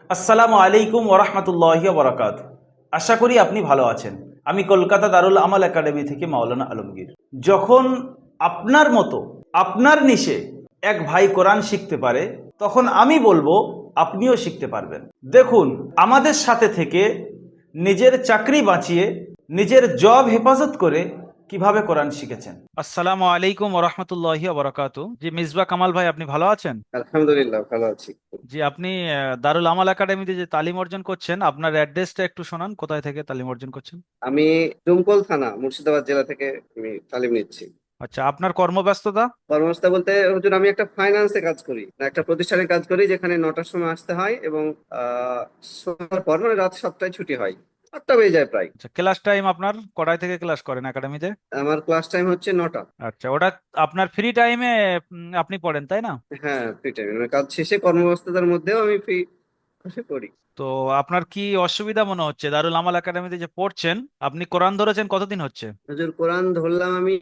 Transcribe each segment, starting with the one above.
আসসালামু আলাইকুম ওরহমতুল্লাহি ওবরাকাত। আশা করি আপনি ভালো আছেন। আমি কলকাতা দারুল আমাল একাডেমি থেকে মাওলানা আলমগীর। যখন আপনার মতো আপনার নিশে এক ভাই কোরআন শিখতে পারে, তখন আমি বলবো আপনিও শিখতে পারবেন। দেখুন, আমাদের সাথে থেকে নিজের চাকরি বাঁচিয়ে নিজের জব হেফাজত করে কিভাবে কোরআন শিখেছেন। আসসালামু আলাইকুম ওরহমতুল্লাহি ওবরাকাতু। জি মিসবাহ কামাল ভাই, আপনি ভালো আছেন? আলহামদুলিল্লাহ ভালো আছি। জি, আপনি দারুল আমাল একাডেমিতে যে তালিম অর্জন করছেন, আপনার অ্যাড্রেসটা একটু শোনান, কোথায় থেকে তালিম অর্জন করছেন? আমি ডুমকল থানা মুর্শিদাবাদ জেলা থেকে আমি তালিম নিচ্ছি। আচ্ছা, আপনার কর্মব্যস্ততা? কর্মসংস্থা বলতে হুজুর আমি একটা ফাইন্যান্সে কাজ করি, একটা প্রতিষ্ঠানে কাজ করি যেখানে 9টার সময় আসতে হয় এবং আহ সন্ধ্যার পর মানে রাত 7টায় ছুটি হয়, 8টা বেজে যায় প্রায়। আচ্ছা, ক্লাস টাইম আপনার কটায় থেকে ক্লাস করেন একাডেমিতে? আমার ক্লাস টাইম হচ্ছে 9টা। আচ্ছা, ওটা আপনার ফ্রি টাইমে আপনি পড়েন, তাই না? হ্যাঁ, ফ্রি টাইম মানে কাজ শেষে কর্মব্যস্ততার মধ্যেও আমি ফ্রি বসে পড়ি। তো আপনার কি অসুবিধা মনে হচ্ছে দারুল আমাল একাডেমিতে যে পড়ছেন? আপনি কোরআন ধরেছেন কতদিন হচ্ছে? হুজুর কোরআন ধরলাম আমি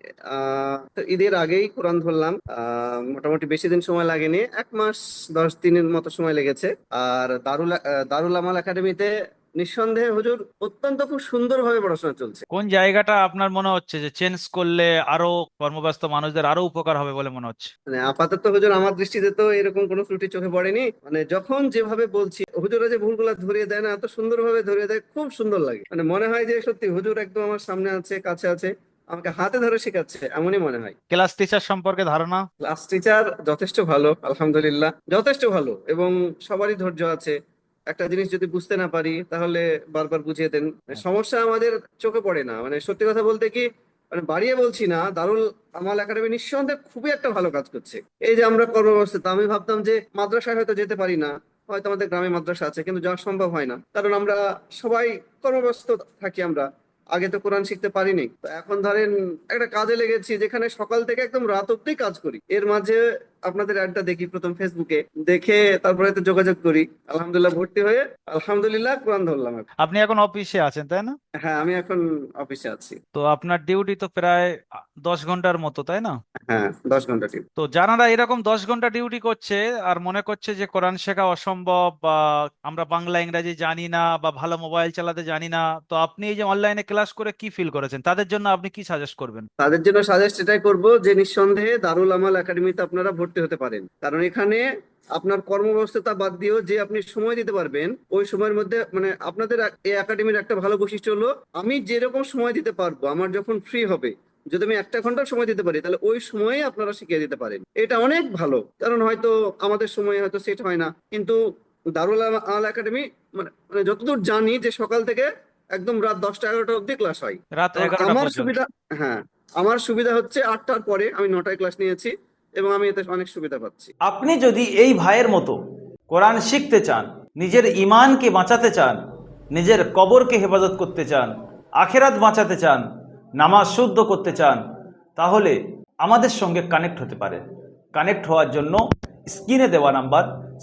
তো ঈদের আগেই কোরআন ধরলাম। মোটামুটি বেশি দিন সময় লাগেনি, 1 মাস 10 দিনের মতো সময় লেগেছে। আর দারুল আমাল একাডেমিতে নিঃসন্দেহে হুজুর অত্যন্ত খুব সুন্দরভাবে পড়াশোনা চলছে। কোন জায়গাটা আপনার মনে হচ্ছে যে চেঞ্জ করলে আরো কর্মব্যস্ত মানুষদের আরো উপকার হবে বলে মনে হচ্ছে? মানে আপাতত হুজুর আমার দৃষ্টিতে তো এরকম কোনো ত্রুটি চোখে পড়েনি। মানে যখন যেভাবে বলছি হুজুরা যে ভুলগুলা ধরিয়ে দেয় না, এত সুন্দরভাবে ধরিয়ে দেয়, খুব সুন্দর লাগে। মানে মনে হয় যে সত্যি হুজুর একদম আমার সামনে আছে, কাছে আছে, আমাকে হাতে ধরে শেখাচ্ছে, এমনই মনে হয়। ক্লাস টিচার সম্পর্কে ধারণা? ক্লাস টিচার যথেষ্ট ভালো, আলহামদুলিল্লাহ যথেষ্ট ভালো, এবং সবারই ধৈর্য আছে। একটা জিনিস যদি বুঝতে না পারি তাহলে বারবার বুঝিয়ে দেন। সমস্যা আমাদের চোখে পড়ে না। মানে সত্যি কথা বলতে কি, মানে বাড়িয়ে বলছি না, দারুল আমাল একাডেমি নিঃসন্দেহে খুবই একটা ভালো কাজ করছে। এই যে আমরা কর্মব্যস্ততা, আমি ভাবতাম যে মাদ্রাসায় হয়তো যেতে পারি না, হয়তো আমাদের গ্রামে মাদ্রাসা আছে কিন্তু যাওয়া সম্ভব হয় না, কারণ আমরা সবাই কর্মব্যস্ত থাকি। আমরা আগে তো কোরআন শিখতে পারিনি, তো এখন ধরেন একটা কাজে লেগেছি যেখানে সকাল থেকে একদম রাত অব্দি কাজ করি। এর মাঝে আপনাদের অ্যাডটা দেখি প্রথম ফেসবুকে, দেখে তারপরে তো যোগাযোগ করি, আলহামদুলিল্লাহ ভর্তি হয়ে আলহামদুলিল্লাহ কোরআন ধরলাম এখন। আপনি এখন অফিসে আছেন, তাই না? হ্যাঁ, আমি এখন অফিসে আছি। তো আপনার ডিউটি তো প্রায় 10 ঘন্টার মতো, তাই না? হ্যাঁ, 10 ঘন্টা ডিউটি। তো যারা এরকম 10 ঘন্টা ডিউটি করছে আর মনে করছে যে কোরআন শেখা অসম্ভব, বা আমরা বাংলা ইংরাজি জানি না, বা ভালো মোবাইল চালাতে জানি না, তো আপনি এই যে অনলাইনে ক্লাস করে কি ফিল করেছেন, তাদের জন্য আপনি কি সাজেস্ট করবেন? তাদের জন্য সাজেস্ট এটাই করব যে নিঃসন্দেহে দারুল আমাল একাডেমিতে আপনারা ভর্তি হতে পারেন, কারণ এখানে আপনার কর্মব্যস্ততা বাদ দিয়েও যে আপনি সময় দিতে পারবেন ওই সময়ের মধ্যে, মানে আপনাদের এই একাডেমির একটা ভালো বৈশিষ্ট্য হলো আমি যেরকম সময় দিতে পারবো, আমার যখন ফ্রি হবে, যদি আমি 1 ঘন্টা সময় দিতে পারি তাহলে ওই সময়ে আপনারা শিখিয়ে দিতে পারেন। এটা অনেক ভালো, কারণ হয়তো আমাদের সময় হয়তো সেট হয় না, কিন্তু দারুল আমাল একাডেমি মানে মানে যতদূর জানি যে সকাল থেকে একদম রাত 10টা 11টা অব্দি ক্লাস হয়। রাত এবং 11টা আমার পর্যন্ত? সুবিধা, হ্যাঁ, আমার সুবিধা হচ্ছে 8টার পরে আমি 9টায় ক্লাস নিয়েছি এবং আমি এতে অনেক সুবিধা পাচ্ছি। আপনি যদি এই ভাইয়ের মতো কোরআন শিখতে চান, নিজের ইমানকে বাঁচাতে চান, নিজের কবরকে হেফাজত করতে চান, আখেরাত বাঁচাতে চান, নামাজ শুদ্ধ করতে চান, তাহলে আমাদের সঙ্গে কানেক্ট হতে পারেন। কানেক্ট হওয়ার জন্য স্ক্রিনে দেওয়া নাম্বার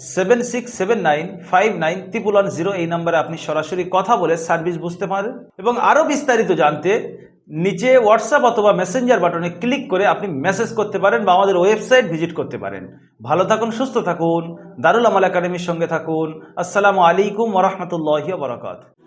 7679591110, এই নাম্বারে আপনি সরাসরি কথা বলে সার্ভিস বুঝতে পারেন। এবং আরও বিস্তারিত জানতে নিচে হোয়াটসঅ্যাপ অথবা মেসেঞ্জার বাটনে ক্লিক করে আপনি মেসেজ করতে পারেন বা আমাদের ওয়েবসাইট ভিজিট করতে পারেন। ভালো থাকুন, সুস্থ থাকুন, দারুল আমাল একাডেমির সঙ্গে থাকুন। আসসালামু আলাইকুম ওরহমতুল্লাহি ওয়া বারাকাতুহু।